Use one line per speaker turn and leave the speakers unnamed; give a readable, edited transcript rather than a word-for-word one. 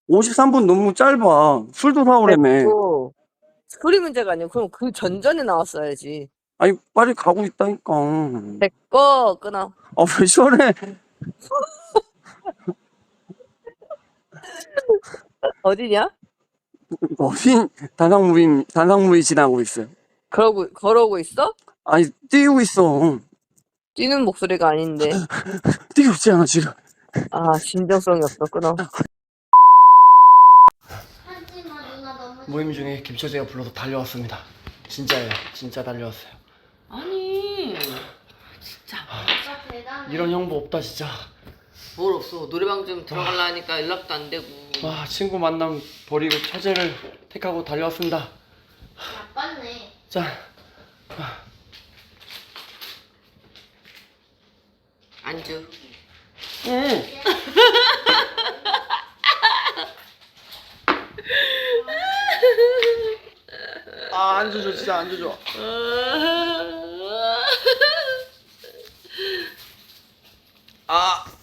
53분 너무 짧아. 술도 사오라며.
됐고. 소리 문제가 아니고 그럼 그 전전에 나왔어야지.
아니, 빨리 가고 있다니까.
됐고 끊어.
아, 왜 저래?
어디냐?
어린 단상무이 지나고 있어요.
걸어오고 있어?
아니, 뛰고 있어.
뛰는 목소리가 아닌데.
뛰고 있잖아, 지금.
아, 진정성이 없어. 끊어.
모임 중에 김처제가 불러서 달려왔습니다. 진짜예요. 진짜 달려왔어요.
아니, 진짜.
이런 형부 없다, 진짜.
뭘 없어. 노래방 좀 들어가려니까 연락도 안 되고.
와, 친구 만남 버리고 처제를 택하고 달려왔습니다.
나빴네.
자,
안주.
응. 아, 안주 줘, 진짜 안주 줘. 아.